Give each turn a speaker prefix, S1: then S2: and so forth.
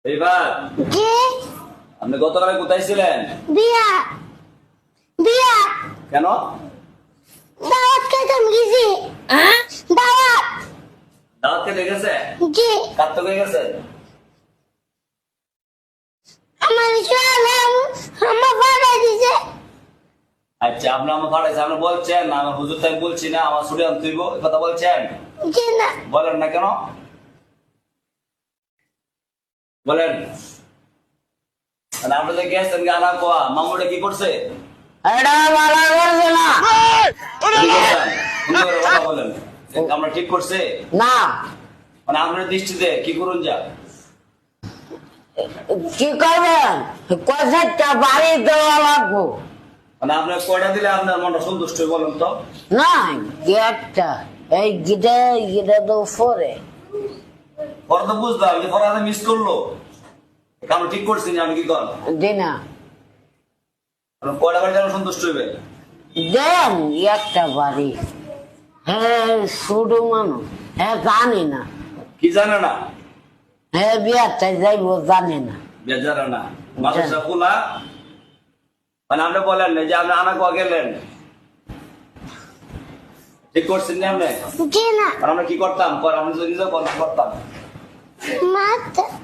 S1: এইবার
S2: জি
S1: আপনি গতকালে কোথায় ছিলেন?
S2: বিয়া বিয়া
S1: কেন?
S2: দাওয়াত খেতে গেছি দাওয়াত
S1: দাওয়াত খেতে গেছে?
S2: জি
S1: কার তো গেছে?
S2: আমার সালাম আমার বাবা দিছে
S1: আচ্ছা, আপনি আমার পাঠাইছে, আপনি বলছেন আমার হুজুর তাই বলছি না, আমার ছুটি আনতে হইব, এই কথা বলছেন?
S2: জি না
S1: বলেন না কেন? বলেন। মানে আপনি যে গেছেন গানা কোয়া, মামুটা কি করছে?
S3: এটা ভালো করছে না।
S1: কি করছেন? সুন্দর করে কথা বলেন। আমরা ঠিক করছে?
S3: না
S1: মানে আপনার দৃষ্টিতে কি করুন যা?
S3: কি করবেন? কষাইটা বাড়ি দেওয়া লাগবো।
S1: মানে আপনার কয়টা দিলে আপনার মনটা সন্তুষ্ট হয় বলেন তো?
S3: না গেটটা এই গিটা তো পরে
S1: পরে তো বুঝলাম যে পরে মিস করলো, আমরা ঠিক করছি না, আমি কি কর
S3: দিনা
S1: কয়টা বাড়ি যেন সন্তুষ্ট হইবে?
S3: দেন একটা বাড়ি। হ্যাঁ ছোট মানুষ, হ্যাঁ জানি না,
S1: কি জানে না?
S3: হ্যাঁ বিয়ারটা যাইবো জানে না।
S1: বেজারা না মাদ্রাসা খোলা, মানে আপনি বলেন না যে আপনি আনা কোয়া গেলেন, ঠিক করছেন না আপনি?
S2: জি না
S1: আর আমরা কি করতাম? আমরা যদি নিজেও করতাম।
S2: মাত